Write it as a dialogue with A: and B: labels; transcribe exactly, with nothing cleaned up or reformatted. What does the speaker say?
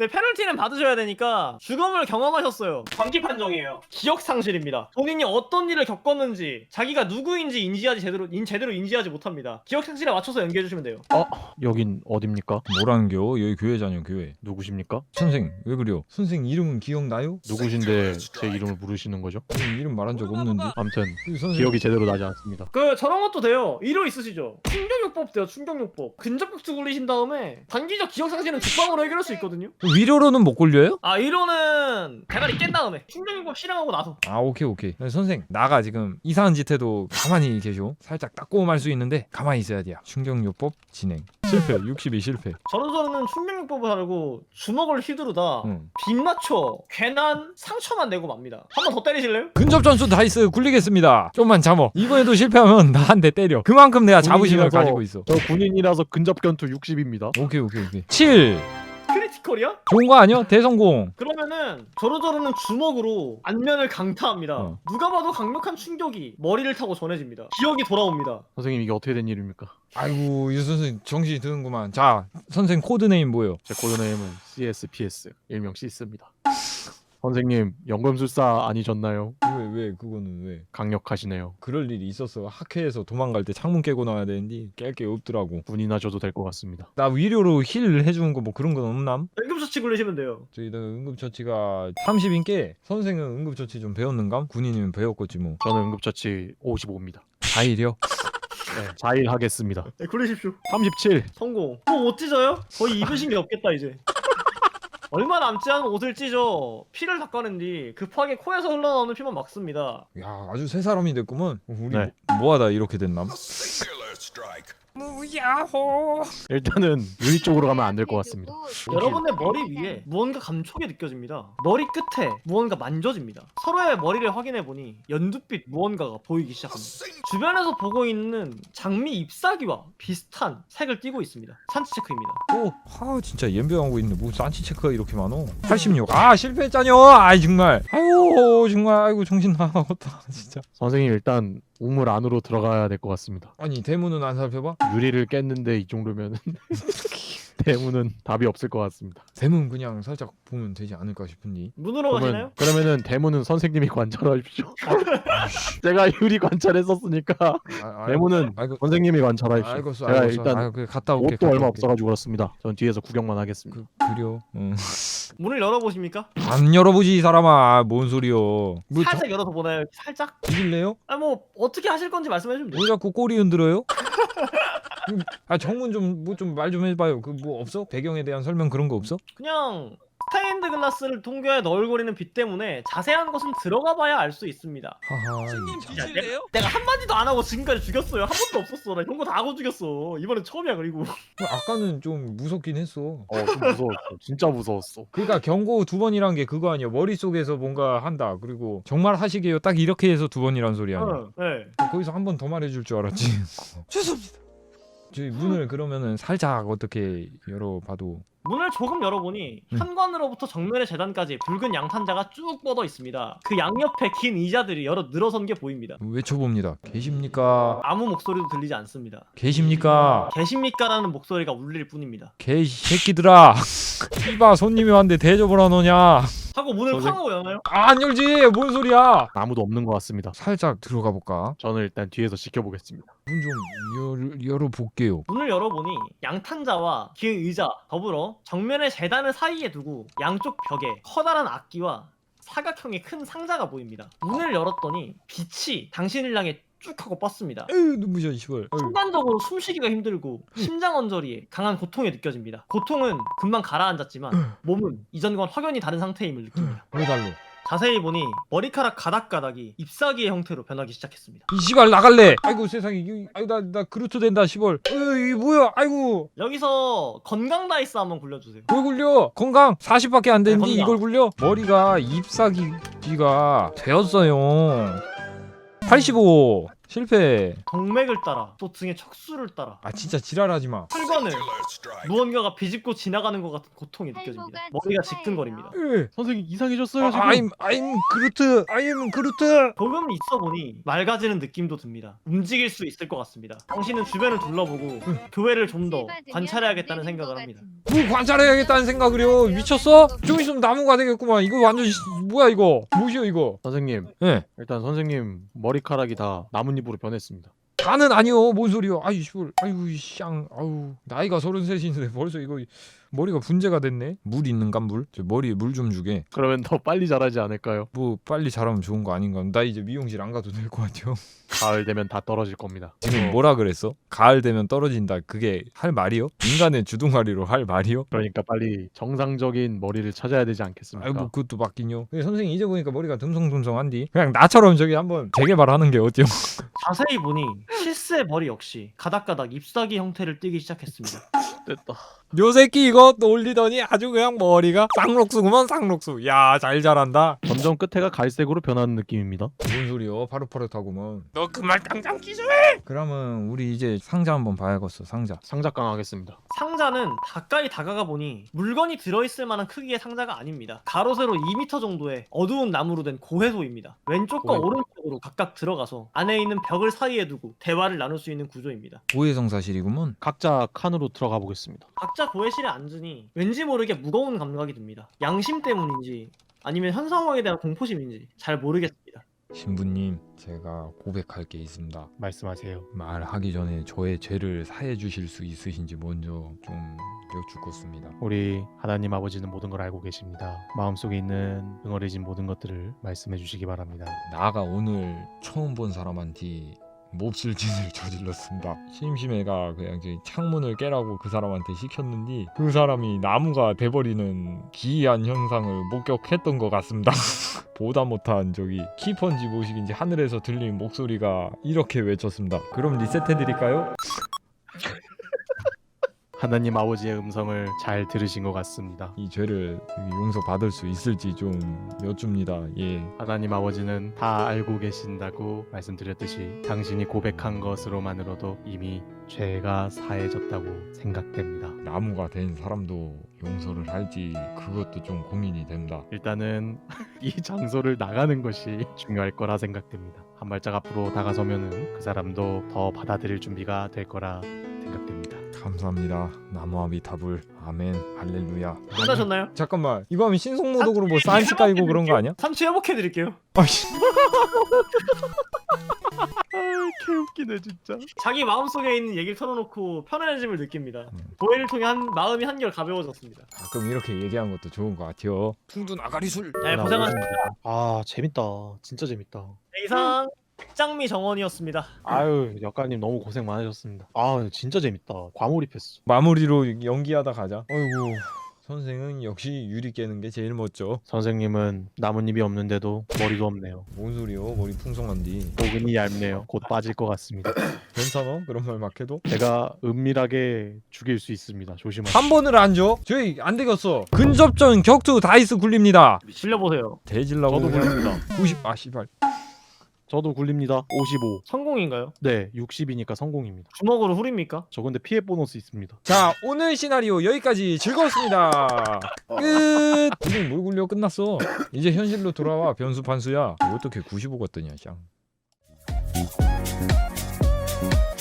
A: 네, 페널티는 받으셔야 되니까 죽음을 경험하셨어요. 광기 판정이에요. 기억 상실입니다. 본인이 어떤 일을 겪었는지 자기가 누구인지 인지하지 제대로 인 제대로 인지하지 못합니다. 기억 상실에 맞춰서 연기해 주시면 돼요.
B: 어? 여긴 어딥니까?
C: 뭐라는겨? 여기 교회잖여 교회.
B: 누구십니까?
C: 선생 왜 그래요? 선생 이름은 기억나요?
B: 누구신데 제 이름을 부르시는 거죠?
C: 선생 이름 말한 적 없는데.
B: 아무튼
C: 그 선생
B: 기억이 제대로 나지 않습니다.
A: 그 저런 것도 돼요. 이로 있으시죠? 충격요법 돼요. 충격요법. 근접격투 굴리신 다음에 단기적 기억 상실은 죽방으로 해결할 수 있거든요.
C: 위로로는 못 굴려요?
A: 아 이로는 대가리 깬 다음에 충격요법 실행하고 나서.
C: 아 오케이 오케이. 선생 나가 지금 이상한 짓 해도 가만히 계셔. 살짝 따꼼할 수 있는데 가만히 있어야 돼요. 충격요법 진행. 실패. 육십이 실패.
A: 저런 저는 충격요법을 하려고 주먹을 휘두르다
C: 응.
A: 빗 맞춰 괜한 상처만 내고 맙니다. 한 번 더 때리실래요?
C: 근접 전수 다이스 굴리겠습니다. 좀만 참어. 이번에도 실패하면 나 한 대 때려. 그만큼 내가 자부심을
B: 군인이라서-
C: 가지고 있어.
B: 저 군인이라서 근접견투 육십입니다.
C: 오케이 오케이 오케이. 칠.
A: 크리티컬이야?
C: 좋은 거 아니야? 대성공.
A: 그러면은 저러저러는 주먹으로 안면을 강타합니다.
C: 어.
A: 누가 봐도 강력한 충격이 머리를 타고 전해집니다. 기억이 돌아옵니다.
B: 선생님 이게 어떻게 된 일입니까?
C: 아이고 이 선생 정신이 드는구만. 자 선생 코드네임 뭐예요?
B: 제 코드네임은 씨에스피에스 일명 시스입니다. 선생님 연금술사 아니셨나요?
C: 왜 왜 그거는 왜?
B: 강력하시네요.
C: 그럴 일이 있었어. 학회에서 도망갈 때 창문 깨고 나와야 되는데 깰 게 없더라고.
B: 군인하셔도 될 것 같습니다.
C: 나 위료로 힐 해주는 거 뭐 그런 건 없남?
A: 응급처치 굴리시면 돼요.
C: 저희가 응급처치가 삼십인께 선생은 응급처치 좀 배웠는감? 군인이면 배웠겠지 뭐.
B: 저는 응급처치 오십오입니다.
C: 다일이요?
B: 네, 사 일 하겠습니다.
A: 네, 굴리십시오.
B: 삼십칠.
A: 성공. 또 못 찢어요? 거의 입으신 게 없겠다 이제. 얼마 남지 않은 옷을 찢어 피를 닦아낸 뒤 급하게 코에서 흘러나오는 피만 막습니다.
C: 야 아주 새 사람이 됐구먼. 우리
B: 네.
C: 뭐하다 이렇게 됐남?
B: 일단은 유리 쪽으로 가면 안 될 것 같습니다.
A: 여러분의 머리 위에 무언가 감촉이 느껴집니다. 머리 끝에 무언가 만져집니다. 서로의 머리를 확인해보니 연두빛 무언가가 보이기 시작합니다. 주변에서 보고 있는 장미 잎사귀와 비슷한 색을 띠고 있습니다. 산치 체크입니다.
C: 오, 아 진짜 연병하고 있는데 뭐 산치 체크가 이렇게 많어? 팔십육. 아 실패했잖여. 아이 정말. 아유 정말 아이고 정신 나갔다 진짜.
B: 선생님 일단 우물 안으로 들어가야 될 것 같습니다.
C: 아니 대문은 안 살펴봐?
B: 유리를 깼는데 이 정도면은 대문은 답이 없을 것 같습니다.
C: 대문 그냥 살짝 보면 되지 않을까 싶은데.
A: 문으로 가시나요?
B: 그러면, 그러면은 대문은 선생님이 관찰하십시오. 제가 유리 관찰했었으니까
C: 아,
B: 대문은
C: 아이고
B: 선생님이 관찰하십시오.
C: 알겠어
B: 제가
C: 알겠어.
B: 일단
C: 아, 그 갔다 올게.
B: 옷도
C: 갔다
B: 얼마
C: 올게.
B: 없어가지고 그렇습니다. 전 뒤에서 구경만 하겠습니다.
C: 그 그려. 응.
A: 문을 열어보십니까?
C: 안 열어보지 이 사람아. 뭔 소리여? 뭐
A: 살짝 열어서 보나요? 살짝?
C: 죽일래요?
A: 아 뭐 어떻게 하실 건지 말씀해주면 돼요.
C: 왜 자꾸 꼬리 흔들어요? 아 정문 좀 뭐 좀 말 좀 해봐요. 그 뭐 없어? 배경에 대한 설명 그런 거 없어?
A: 그냥 스테인드 글라스를 통과해 너울거리는 빛 때문에 자세한 것은 들어가 봐야 알 수 있습니다.
C: 하하.
D: 스님
C: 이 참.
D: 진실래요?
A: 내가 한마디도 안 하고 지금까지 죽였어요. 한 번도 없었어. 나 이런 거 다 하고 죽였어. 이번엔 처음이야. 그리고
C: 아까는 좀 무섭긴 했어.
B: 어, 좀 무서웠어. 진짜 무서웠어.
C: 그러니까 경고 두 번이란 게 그거 아니야. 머릿속에서 뭔가 한다. 그리고 정말 하시게요. 딱 이렇게 해서 두 번이란 소리 아니야.
A: 어, 네.
C: 거기서 한 번 더 말해줄 줄 알았지. 죄송합니다. 저희 문을 그러면은 살짝 어떻게 열어봐도
A: 문을 조금 열어보니
C: 음.
A: 현관으로부터 정면의 재단까지 붉은 양탄자가 쭉 뻗어 있습니다. 그 양옆에 긴 의자들이 여러 늘어선 게 보입니다.
C: 외쳐봅니다. 계십니까?
A: 아무 목소리도 들리지 않습니다.
C: 계십니까?
A: 계십니까라는 목소리가 울릴 뿐입니다.
C: 개새끼들아. 이봐 손님이 왔는데 대접을 안 오냐?
A: 하고 문을
B: 선생-
A: 쾅 하고 여나요?
C: 아, 안 열지. 뭔 소리야?
B: 아무도 없는 것 같습니다.
C: 살짝 들어가 볼까?
B: 저는 일단 뒤에서 지켜보겠습니다.
C: 문 좀 열어볼게요.
A: 문을 열어보니 양탄자와 긴 의자 더불어 정면의 재단을 사이에 두고 양쪽 벽에 커다란 악기와 사각형의 큰 상자가 보입니다. 문을 열었더니 빛이 당신을 향해 쭉 하고 뻗습니다.
C: 에휴 눈부셔 시벌. 어휴.
A: 순간적으로 숨쉬기가 힘들고 심장 언저리에 강한 고통이 느껴집니다. 고통은 금방 가라앉았지만 몸은 이전과는 확연히 다른 상태임을 느낍니다.
C: 왜 달로?
A: 자세히 보니 머리카락 가닥가닥이 잎사귀의 형태로 변하기 시작했습니다.
C: 이 시발 나갈래. 아이고 세상에. 이- 아이고 나 나 그루트 된다 시벌. 어휴 이게 뭐야? 아이고.
A: 여기서 건강 다이스 한번 굴려주세요.
C: 뭘 굴려? 건강 사십밖에 안 되는데
A: 네, 건강.
C: 이걸 굴려? 머리가 잎사귀가 되었어요. 팔십오 실패.
A: 동맥을 따라 또 등의 척수를 따라
C: 아 진짜 지랄하지 마.
A: 혈관을 무언가가 비집고 지나가는 것 같은 고통이 느껴집니다. 머리가 지끈거립니다.
C: 으.
B: 선생님 이상해졌어요 지금.
C: 아, I'm I'm 그루트. I'm 그루트.
A: 조금 있어 보니 맑아지는 느낌도 듭니다. 움직일 수 있을 것 같습니다. 당신은 주변을 둘러보고 교회를 좀 더 관찰해야겠다는 생각을 합니다.
C: 뭐 관찰해야겠다는 생각을요. 미쳤어? 좀 있으면 나무가 되겠구만. 이거 완전 씨, 뭐야 이거? 뭐시여 이거?
B: 선생님
C: 예.
B: 일단 선생님 머리카락이 다 나뭇잎으로 변했습니다.
C: 다는 아니요. 뭔 소리요? 아유 씨발. 아유 쌍. 아유 나이가 서른셋인데 벌써 이거 머리가 분재가 됐네. 물 있는가 물? 저 머리에 물 좀 주게.
B: 그러면 더 빨리 자라지 않을까요?
C: 뭐 빨리 자라면 좋은 거 아닌가? 나 이제 미용실 안 가도 될 것 같아요.
B: 가을 되면 다 떨어질 겁니다.
C: 지금 뭐라 그랬어? 가을 되면 떨어진다. 그게 할 말이요? 인간의 주둥아리로 할 말이요?
B: 그러니까 빨리 정상적인 머리를 찾아야 되지 않겠습니까?
C: 아이고 그것도 맞긴요. 근데 선생님 이제 보니까 머리가 듬성듬성한디. 그냥 나처럼 저기 한번 재개발하는 게 어때요?
A: 자세히 보니 실스의 머리 역시 가닥가닥 잎사귀 형태를 띠기 시작했습니다.
B: 됐다.
C: 요 새끼 이거 놀리더니 아주 그냥 머리가 쌍록수구먼 쌍록수. 야 잘 자란다.
B: 점점 끝에가 갈색으로 변하는 느낌입니다.
C: 뭔 소리요? 파릇파릇하구먼. 너 그 말 당장 취소해. 그러면 우리 이제 상자 한번 봐야겠어. 상자.
B: 상작강 하겠습니다.
A: 상자는 가까이 다가가 보니 물건이 들어있을 만한 크기의 상자가 아닙니다. 가로 세로 이 미터 정도의 어두운 나무로 된 고해소입니다. 왼쪽과
B: 고해소.
A: 오른쪽으로 각각 들어가서 안에 있는 벽을 사이에 두고 대화를 나눌 수 있는 구조입니다.
C: 고해성사실이구먼.
B: 각자 칸으로 들어가 보겠습니다.
A: 각자 고해실에 앉으니 왠지 모르게 무거운 감각이 듭니다. 양심 때문인지 아니면 현 상황에 대한 공포심인지 잘 모르겠습니다.
C: 신부님, 제가 고백할 게 있습니다.
B: 말씀하세요.
C: 말하기 전에 저의 죄를 사해 주실 수 있으신지 먼저 좀 여쭙겠습니다.
B: 우리 하나님 아버지는 모든 걸 알고 계십니다. 마음속에 있는 응어리진 모든 것들을 말씀해 주시기 바랍니다.
C: 나가 오늘 처음 본 사람한테 몹쓸 짓을 저질렀습니다. 심심해가 그냥 저기 창문을 깨라고 그 사람한테 시켰는데 그 사람이 나무가 돼버리는 기이한 현상을 목격했던 것 같습니다. 보다 못한 저기 키펀지 모식인지 하늘에서 들린 목소리가 이렇게 외쳤습니다. 그럼 리셋해드릴까요?
B: 하나님 아버지의 음성을 잘 들으신 것 같습니다.
C: 이 죄를 용서받을 수 있을지 좀 여쭙니다. 예.
B: 하나님 아버지는 다 알고 계신다고 말씀드렸듯이 당신이 고백한 것으로만으로도 이미 죄가 사해졌다고 생각됩니다.
C: 나무가 된 사람도 용서를 할지 그것도 좀 고민이 됩니다.
B: 일단은 이 장소를 나가는 것이 중요할 거라 생각됩니다. 한 발짝 앞으로 다가서면은 그 사람도 더 받아들일 준비가 될 거라 생각됩니다.
C: 감사합니다. 나무아미타불. 아멘. 할렐루야.
A: 끝나셨나요?
C: 잠깐만. 이거 하면 신속모독으로 뭐 사인스 까이고 그런 거 아니야?
A: 삼 초 회복해드릴게요.
C: 아씨.
B: 아, 개웃기네 진짜.
A: 자기 마음속에 있는 얘기를 털어놓고 편안해짐을 느낍니다.
C: 음.
A: 도해를 통해 한, 마음이 한결 가벼워졌습니다.
C: 가끔 이렇게 얘기한 것도 좋은 것 같아요. 풍둔 아가리술.
A: 네, 고생하셨습니다.
B: 아 재밌다. 진짜 재밌다.
A: 네, 이상 백장미 정원이었습니다.
B: 아유 역가님 너무 고생 많으셨습니다. 아 진짜 재밌다. 과몰입했어.
C: 마무리로 연기하다 가자. 어이구. 선생은 역시 유리 깨는 게 제일 멋져.
B: 선생님은 나뭇잎이 없는데도 머리도 없네요.
C: 뭔 소리요? 머리 풍성한디.
B: 복근이 얇네요. 곧 빠질 것 같습니다.
C: 괜찮아? 그런 말 막 해도?
B: 제가 은밀하게 죽일 수 있습니다. 조심하세요.
C: 한 번을 안 줘? 저희 안 되겠어. 근접전 격투 다이스 굴립니다.
A: 질려보세요.
C: 대질라고
B: 저도
C: 그냥
B: 굴립니다.
C: 구십. 아 씨발.
B: 저도 굴립니다. 오십오.
A: 성공인가요?
B: 네, 육십이니까 성공입니다.
A: 주먹으로 후립니까?
B: 저 근데 피해 보너스 있습니다.
C: 자 오늘 시나리오 여기까지 즐거웠습니다. 끝. 우리 뭘 굴려 끝났어. 이제 현실로 돌아와 변수 판수야. 어떻게 구십오 같더냐 샹.